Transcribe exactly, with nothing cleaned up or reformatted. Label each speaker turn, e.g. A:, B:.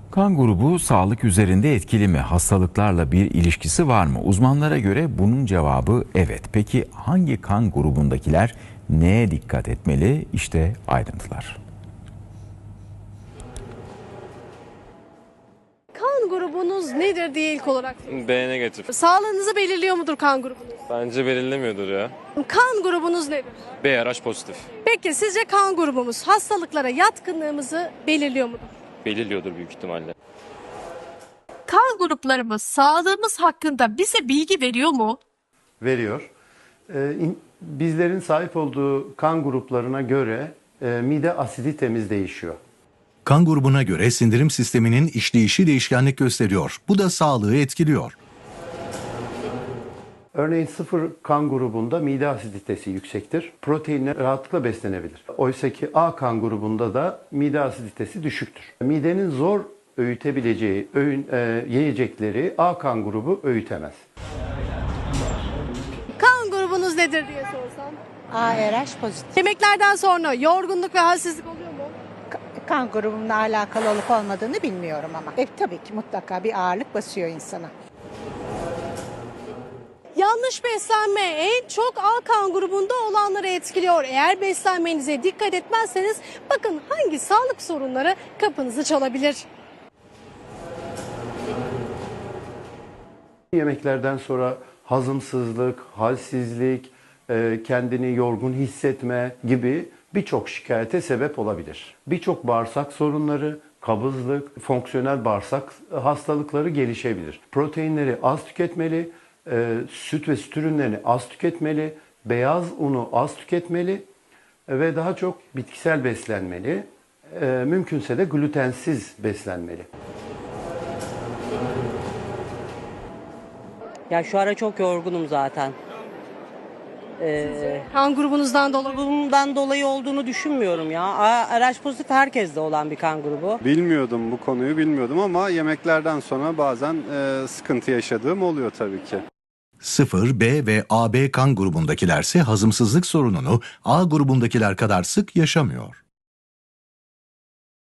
A: Kan grubu sağlık üzerinde etkili mi? Hastalıklarla bir ilişkisi var mı? Uzmanlara göre bunun cevabı evet. Peki hangi kan grubundakiler neye dikkat etmeli? İşte ayrıntılar.
B: Kan grubunuz nedir diye ilk olarak sorayım.
C: B negatif.
B: Sağlığınızı belirliyor mudur kan grubunuz?
C: Bence belirlemiyordur ya.
B: Kan grubunuz nedir?
C: B R H pozitif.
B: Peki sizce kan grubumuz hastalıklara yatkınlığımızı belirliyor mudur?
C: Belirliyordur büyük ihtimalle.
D: Kan gruplarımız sağlığımız hakkında bize bilgi veriyor mu?
E: Veriyor. Ee, in- bizlerin sahip olduğu kan gruplarına göre e, mide asiditemiz değişiyor.
F: Kan grubuna göre sindirim sisteminin işleyişi değişkenlik gösteriyor. Bu da sağlığı etkiliyor.
E: Örneğin sıfır kan grubunda mide asiditesi yüksektir. Proteinle rahatlıkla beslenebilir. Oysa ki A kan grubunda da mide asiditesi düşüktür. Midenin zor öğütebileceği öğün, e, yiyecekleri A kan grubu öğütemez.
B: Kan grubunuz nedir diye sorsam.
G: A R H pozitif.
B: Yemeklerden sonra yorgunluk ve halsizlik oluyor mu?
G: Ka- Kan grubumla alakalı olup olmadığını bilmiyorum ama. E, tabii ki mutlaka bir ağırlık basıyor insana.
B: Yanlış beslenme en çok A kan grubunda olanları etkiliyor. Eğer beslenmenize dikkat etmezseniz bakın hangi sağlık sorunları kapınızı çalabilir.
E: Yemeklerden sonra hazımsızlık, halsizlik, e, kendini yorgun hissetme gibi birçok şikayete sebep olabilir. Birçok bağırsak sorunları, kabızlık, fonksiyonel bağırsak hastalıkları gelişebilir. Proteinleri az tüketmeli, e, süt ve süt ürünlerini az tüketmeli, beyaz unu az tüketmeli ve daha çok bitkisel beslenmeli. E, mümkünse de glutensiz beslenmeli.
H: Ya şu ara çok yorgunum zaten. Ee,
B: Kan grubunuzdan dolayı.
H: bundan dolayı olduğunu düşünmüyorum ya. A R H pozitif herkeste olan bir kan grubu.
I: Bilmiyordum, bu konuyu bilmiyordum ama yemeklerden sonra bazen e, sıkıntı yaşadığım oluyor tabii ki.
F: sıfır, B ve A B kan grubundakilerse hazımsızlık sorununu A grubundakiler kadar sık yaşamıyor.